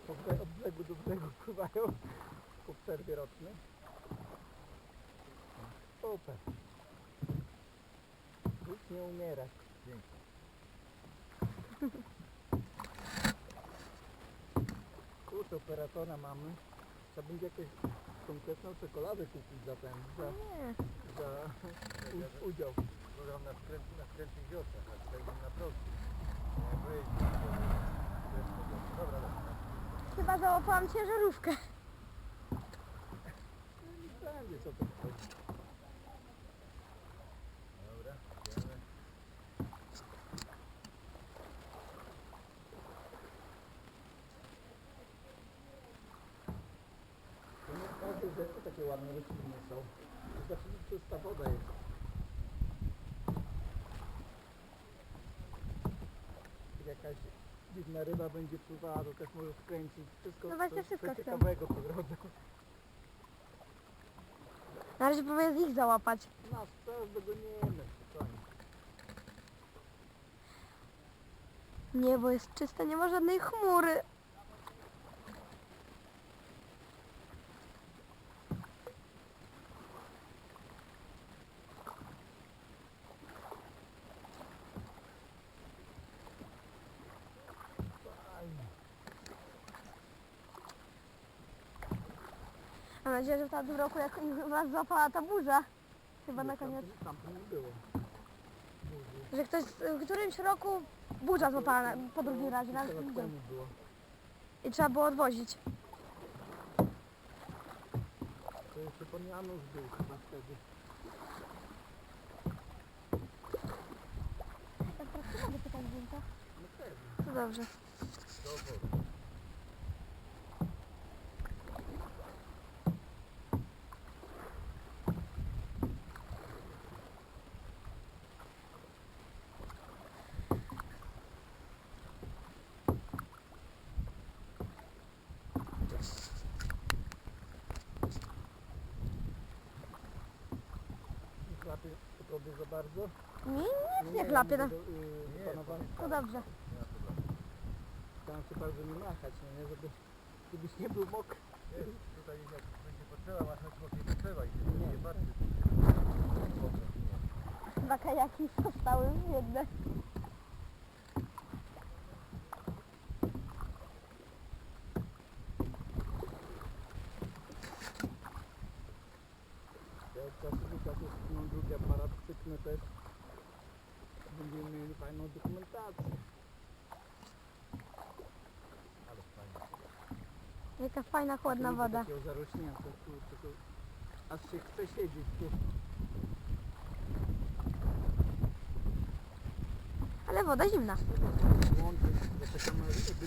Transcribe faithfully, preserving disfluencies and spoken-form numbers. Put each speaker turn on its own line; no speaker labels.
od bre- od brzegu do brzegu pływają po przerwie rocznej. Super. Już nie umierać.
Dzięki.
Kurczę, operatora mamy. Trzeba będzie jakąś konkretną czekoladę kupić za ten, za,
Nie.
za u, udział.
Program na skrętnych, na skrętnych wiosnach, na skrętnych na prostych. Nie, pojeździ. Dobra, dobra.
Chyba załapałam ciężarówkę.
No nie będzie co to chodzi.
Dobra, idziemy.
To nie każde rzeczy takie ładne rośliny są. To znaczy, że czysta woda jest. Jak jakaś dziwna ryba będzie pływała, to też może skręcić. Wszystko,
No właśnie,
coś-
wszystko
coś
chcą.
ciekawego po drodze.
Na razie próbuję z ich załapać.
Nas teraz dogoniemy, spokojnie.
Niebo jest czyste, nie ma żadnej chmury.
Fajnie.
Mam nadzieję, że w tamtym roku jak ich nas złapała ta burza. Chyba na koniec.
Tam, tam to nie było. Burzy.
Że ktoś w którymś roku burza złapała na, po drugim razie.
Kilka
Na,
lat temu było.
I trzeba było odwozić.
To jeszcze pan Janusz był chyba wtedy.
Tak teraz mogę pytać zdjęcia.
No pewnie.
To dobrze.
Do obozu.
Nie chlapie po tobie za bardzo.
Nie, nic nie chlapie. No,
Do, yy,
Nie,
panowa-
to dobrze.
Nie ma problemu.
Staram się bardzo nie machać, no nie? Żeby, żebyś nie był mokry.
Nie, tutaj jak będzie potrzeba, masz na nie potrzeba i się
Nie.
nie patrzy.
Dwa kajaki zostały jedne.
Ja od czasu do czasu mam drugi aparat, cyknę też. Będziemy mieli fajną dokumentację.
Ale fajnie.
Jaka fajna, chłodna
Tu nie
woda.
takiego zarośnięte, tu, tylko aż się chce siedzieć tu.
Ale woda zimna.
Łączyć, bo taka ma jakby